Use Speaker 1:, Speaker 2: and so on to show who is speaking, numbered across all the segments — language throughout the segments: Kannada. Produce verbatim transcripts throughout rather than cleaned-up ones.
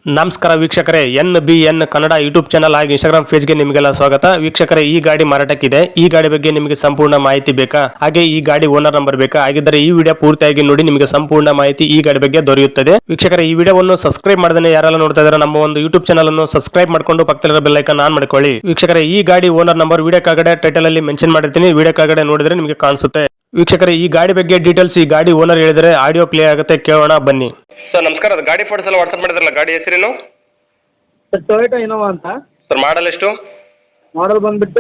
Speaker 1: ನಮಸ್ಕಾರ ವೀಕ್ಷಕರೇ, N B N Kannada YouTube channel ಹಾಗೂ ಇನ್ಸ್ಟಾಗ್ರಾಮ್ ಪೇಜ್ಗೆ ನಿಮಗೆಲ್ಲ ಸ್ವಾಗತ. ವೀಕ್ಷಕರೇ, ಈ ಗಾಡಿ ಮಾರಾಟಕ್ಕಿದೆ. ಈ ಗಾಡಿ ಬಗ್ಗೆ ನಿಮಗೆ ಸಂಪೂರ್ಣ ಮಾಹಿತಿ ಬೇಕಾ, ಹಾಗೆ ಈ ಗಾಡಿ ಓನರ್ ನಂಬರ್ ಬೇಕಾ? ಹಾಗಿದ್ದರೆ ಈ ವಿಡಿಯೋ ಪೂರ್ತಿಯಾಗಿ ನೋಡಿ, ನಿಮಗೆ ಸಂಪೂರ್ಣ ಮಾಹಿತಿ ಈ ಗಾಡಿ ಬಗ್ಗೆ ದೊರೆಯುತ್ತದೆ. ವೀಕ್ಷಕರೇ, ಈ ವಿಡಿಯೋವನ್ನು ಸಬ್ಸ್ಕ್ರೈಬ್ ಮಾಡದೇ ಯಾರೆಲ್ಲ ನೋಡ್ತಾ ಇದ್ದಾರೆ ನಮ್ಮ ಒಂದು ಯೂಟ್ಯೂಬ್ ಚಾನಲ್ ಅನ್ನು ಸಬ್ಸ್ಕ್ರೈಬ್ ಮಾಡ್ಕೊಂಡು ಪಕ್ಕದಲ್ಲಿರೋ ಬೆಲ್ ಐಕಾನ್ ಆನ್ ಮಾಡ್ಕೊಳ್ಳಿ. ವೀಕ್ಷಕರೇ, ಈ ಗಾಡಿ ಓನರ್ ನಂಬರ್ ವಿಡಿಯೋ ಕೆಳಗಡೆ ಟೈಟಲ್ ಅಲ್ಲಿ ಮೆನ್ಷನ್ ಮಾಡಿರ್ತೀನಿ, ವಿಡಿಯೋ ಕೆಳಗಡೆ ನೋಡಿದ್ರೆ ನಿಮಗೆ ಕಾಣಿಸುತ್ತೆ. ವೀಕ್ಷಕರೇ, ಈ ಗಾಡಿ ಬಗ್ಗೆ ಡೀಟೇಲ್ಸ್ ಈ ಗಾಡಿ ಓನರ್ ಹೇಳಿದರೆ ಆಡಿಯೋ ಪ್ಲೇ ಆಗುತ್ತೆ, ಕೇಳೋಣ ಬನ್ನಿ. ಸರ್ ನಮಸ್ಕಾರ, ಅದು ಗಾಡಿ ಫೋಟೋಸ್ ಎಲ್ಲ ವಾಟ್ಸ್ಆಪ್ ಮಾಡಿದ್ರಲ್ಲ, ಗಾಡಿ ಹೆಸರೇನು?
Speaker 2: ಸರ್ ಟೊಯೋಟಾ ಇನೋವಾ ಅಂತ.
Speaker 1: ಸರ್ ಮಾಡಲ್ ಎಷ್ಟು?
Speaker 2: ಮಾಡಲ್ ಬಂದುಬಿಟ್ಟು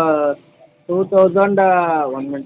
Speaker 2: two thousand one minute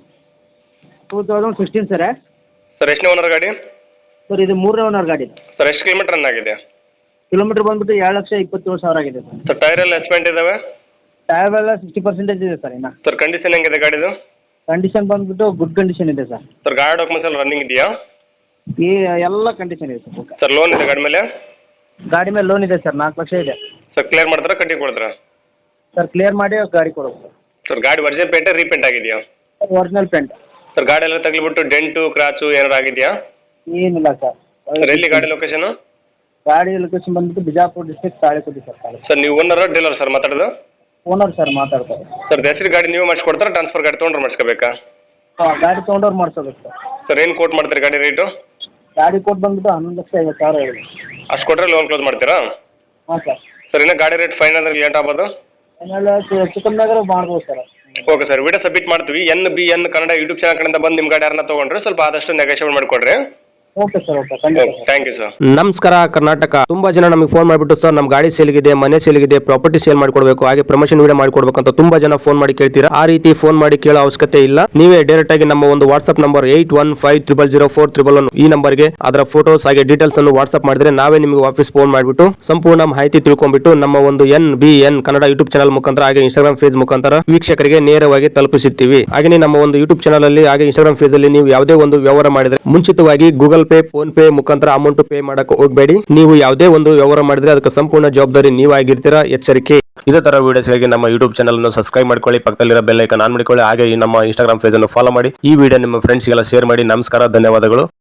Speaker 2: two thousand sixteen sir.
Speaker 1: Sir ಎಷ್ಟನೇ ಓನರ್ ಗಾಡಿ?
Speaker 2: ಸರ್ ಇದು ಮೂರನೇ ಓನರ್ ಗಾಡಿ.
Speaker 1: ಸರ್ ಎಷ್ಟು ಕಿಲೋಮೀಟರ್ ರನ್ ಆಗಿದೆ?
Speaker 2: ಕಿಲೋಮೀಟರ್ ಬಂದುಬಿಟ್ಟು ಎರಡು ಲಕ್ಷ ಇಪ್ಪತ್ತೇಳು ಸಾವಿರ ಆಗಿದೆ ಸರ್.
Speaker 1: ಸರ್ ಟೈರ್ ಎಲ್ಲ ಎಸ್ಪೆಂಟ್ ಇದಾವೆ?
Speaker 2: ಟೈರ್ ಎಲ್ಲ ಸಿಕ್ಸ್ಟಿ ಪರ್ಸೆಂಟೇಜ್ ಇದೆ ಸರ್. ಇನ್ನು
Speaker 1: ಸರ್ ಕಂಡೀಷನ್ ಹೆಂಗಿದೆ ಗಾಡಿದು?
Speaker 2: ಕಂಡೀಷನ್ ಬಂದುಬಿಟ್ಟು ಗುಡ್ ಕಂಡೀಷನ್ ಇದೆ ಸರ್.
Speaker 1: ಸರ್ ಗಾಡಿ ಡಾಕ್ಯುಮೆಂಟ್ಸ್ ಎಲ್ಲ ರನ್ನಿಂಗ್ ಇದೆಯಾ?
Speaker 2: ಈ ಎಲ್ಲ ಕಂಡೀಷನ್ ಇದೆ ಸರ್. ಓಕೆ
Speaker 1: ಸರ್ ಲೋನ್ ಇದೆ ಗಾಡಿ ಮೇಲೆ?
Speaker 2: ಗಾಡಿ ಮೇಲೆ ಲೋನ್ ಇದೆ ಸರ್, ನಾಲ್ಕು ಲಕ್ಷ ಇದೆ.
Speaker 1: ಸರ್ ಕ್ಲಿಯರ್ ಮಾಡ್ತಾರಾ ಕಟ್ಟಿ ಕೊಡ್ತಾರಾ?
Speaker 2: ಸರ್ ಕ್ಲಿಯರ್ ಮಾಡಿ ಗಾಡಿ ಕೊಡೋದು ಸರ್.
Speaker 1: ಸರ್ ಗಾಡಿ ಒರಿಜಿನಲ್ ಪೇಂಟ್ ರೀಪೇಂಟ್ ಆಗಿದೆಯಾ?
Speaker 2: Original paint.
Speaker 1: ಸರ್ ಗಾಡಿ ಎಲ್ಲ ತಗ್ಲಿಬಿಟ್ಟು ಡೆಂಟು ಕ್ರಾಚು ಏನಾರು ಆಗಿದೆಯಾ?
Speaker 2: ಏನಿಲ್ಲ ಸರ್.
Speaker 1: ಸರ್ ಎಲ್ಲಿ ಗಾಡಿ ಲೊಕೇಶನ್?
Speaker 2: ಗಾಡಿ ಲೊಕೇಶನ್ ಬಂದುಬಿಟ್ಟು ಬಿಜಾಪುರ ಡಿಸ್ಟ್ರಿಕ್ಟ್ ತಾಳಿಕೋಟಿ ಸರ್. ತಾಳಿ
Speaker 1: ಸರ್ ನೀವು ಓನರ್ ಡೀಲರ್ ಸರ್ ಮಾತಾಡೋದು?
Speaker 2: ಓನರ್ ಸರ್ ಮಾತಾಡ್ತಾರೆ.
Speaker 1: ಸರ್ ಹೆಸರು ಗಾಡಿ ನೀವು ಮಾಡಿಸ್ಕೊಡ್ತಾರಾ ಟ್ರಾನ್ಸ್ಫರ್ ಗಾಡಿ ತೊಗೊಂಡ್ರೆ ಮಾಡಿಸ್ಕೋಬೇಕಾ?
Speaker 2: ಹಾಂ, ಗಾಡಿ ತೊಗೊಂಡವ್ರು ಮಾಡಿಸೋಬೇಕು ಸರ್.
Speaker 1: ಸರ್ ಏನು ಕೋಟ್ ಮಾಡ್ತೀರಿ ಗಾಡಿ ರೇಟು?
Speaker 2: ಗಾಡಿ ಕೊಟ್ಟು ಬಂದುಬಿಟ್ಟು ಹನ್ನೊಂದು ಲಕ್ಷ ಐವತ್ತು ಸಾವಿರ ಇದೆ.
Speaker 1: ಅಷ್ಟು ಕೊಟ್ಟರೆ ಲೋನ್ ಕ್ಲೋಸ್ ಮಾಡ್ತೀರಾ?
Speaker 2: ಹಾಂ ಸರ್.
Speaker 1: ಸರ್ ಇನ್ನೂ ಗಾಡಿ ರೇಟ್ ಫೈನ್ ಅಂದ್ರೆ ಲೇಟ್ ಆಗ್ಬೋದು?
Speaker 2: ಆಮೇಲೆ ಹೆಚ್ಚು ಕಮ್ಮಿಯಾಗ ಮಾಡ್ಬೋದು sir.
Speaker 1: Okay sir, video submit ಮಾಡ್ತೀವಿ. N B N Kannada YouTube channel ಕಡೆಯಿಂದ ಬಂದು ನಿಮ್ಮ ಗಾಡಿ ಯಾರನ್ನ ತೊಗೊಂಡ್ರೆ ಸ್ವಲ್ಪ ಆದಷ್ಟು ನೆಗೋಷಿಯೇಟ್ ಮಾಡಿಕೊಡ್ರಿ.
Speaker 2: Okay sir. ಓಕೆ, ಖಂಡಿತ ಸರ್.
Speaker 1: Thank you sir.
Speaker 3: ನಮಸ್ಕಾರ ಕರ್ನಾಟಕ. ತುಂಬಾ ಜನ ನಮಗೆ ಫೋನ್ ಮಾಡಿಬಿಟ್ಟು ಸರ್ ನಮ್ಮ ಗಾಡಿ ಸೇಲ್ಗಿದೆ, ಮನೆ ಸೇಲ್ಗಿದೆ, ಪ್ರಾಪರ್ಟಿ ಸೇಲ್ ಮಾಡಿಕೊಡ್ಬೇಕು, ಹಾಗೆ ಪ್ರಮೋಷನ್ ವಿಡಿಯೋ ಮಾಡಿಕೊಡ್ಬೇಕು ಅಂತ ತುಂಬಾ ಜನ ಫೋನ್ ಮಾಡಿ ಕೇಳ್ತೀರಾ. ಆ ರೀತಿ ಫೋನ್ ಮಾಡಿ ಕೇಳೋ ಅವಶ್ಯಕತೆ ಇಲ್ಲ. ನೀವೇ ಡೈರೆಕ್ಟ್ ಆಗಿ ನಮ್ಮ ಒಂದು WhatsApp number eight one five triple zero four triple one ಈ ನಂಬರ್ಗೆ ಅದರ ಫೋಟೋಸ್ ಹಾಗೆ ಡೀಟೇಲ್ಸ್ ಅನ್ನು ವಾಟ್ಸ್ಆಪ್ ಮಾಡಿದ್ರೆ ನಾವೇ ನಿಮಗೆ ವಾಪಸ್ ಫೋನ್ ಮಾಡಿಬಿಟ್ಟು ಸಂಪೂರ್ಣ ಮಾಹಿತಿ ತಿಳ್ಕೊಂಡ್ಬಿಟ್ಟು ನಮ್ಮ ಒಂದು N B N Kannada YouTube channel ಮುಖಾಂತರ ಹಾಗೆ ಇನ್ಸ್ಟಾಗ್ರಾಮ್ ಪೇಜ್ ಮುಖಾಂತರ ವೀಕ್ಷಕರಿಗೆ ನೇರವಾಗಿ ತಲುಪಿಸುತ್ತೀವಿ. ಹಾಗೆ ನಮ್ಮ ಒಂದು ಯೂಟ್ಯೂಬ್ ಚಾನಲ್ ಅಲ್ಲಿ ಹಾಗೆ ಇನ್ಸ್ಟಾಗ್ರಾಮ್ ಪೇಜ್ ಅಲ್ಲಿ ನೀವು ಯಾವುದೇ ಒಂದು ವ್ಯವಹಾರ ಮಾಡಿದ್ರೆ ಮುಂಚಿತವಾಗಿ ಗೂಗಲ್ ಪೇ, ಫೋನ್ ಪೇ ಮುಖಾಂತರ ಅಮೌಂಟ್ ಪೇ ಮಾಡಕ್ಕೆ ಹೋಗಬೇಡಿ. ನೀವು ಯಾವುದೇ ಒಂದು ವ್ಯವಹಾರ ಮಾಡಿದ್ರೆ ಅದಕ್ಕೆ ಸಂಪೂರ್ಣ ಜವಾಬ್ದಾರಿ ನೀವಾಗಿರ್ತೀರಾ, ಎಚ್ಚರಿಕೆ. ಇದೇ ತರ ವಿಡಿಯೋಸ್ಗಾಗಿ ನಮ್ಮ ಯೂಟ್ಯೂಬ್ ಚಾನಲ್ ಅನ್ನು ಸಬ್ಸ್ಕ್ರೈಬ್ ಮಾಡ್ಕೊಳ್ಳಿ, ಪಕ್ಕದಲ್ಲಿರೋ ಬೆಲ್ ಐಕಾನ್ ಆನ್ ಮಾಡಿಕೊಳ್ಳಿ, ಹಾಗೆ ಈ ನಮ್ಮ ಇನ್ಸ್ಟಾಗ್ರಾಮ್ ಪೇಜ್ ಅನ್ನು ಫಾಲೋ ಮಾಡಿ. ಈ ವಿಡಿಯೋ ನಿಮ್ಮ ಫ್ರೆಂಡ್ಸ್ಗೆಲ್ಲ ಶೇರ್ ಮಾಡಿ. ನಮಸ್ಕಾರ, ಧನ್ಯವಾದಗಳು.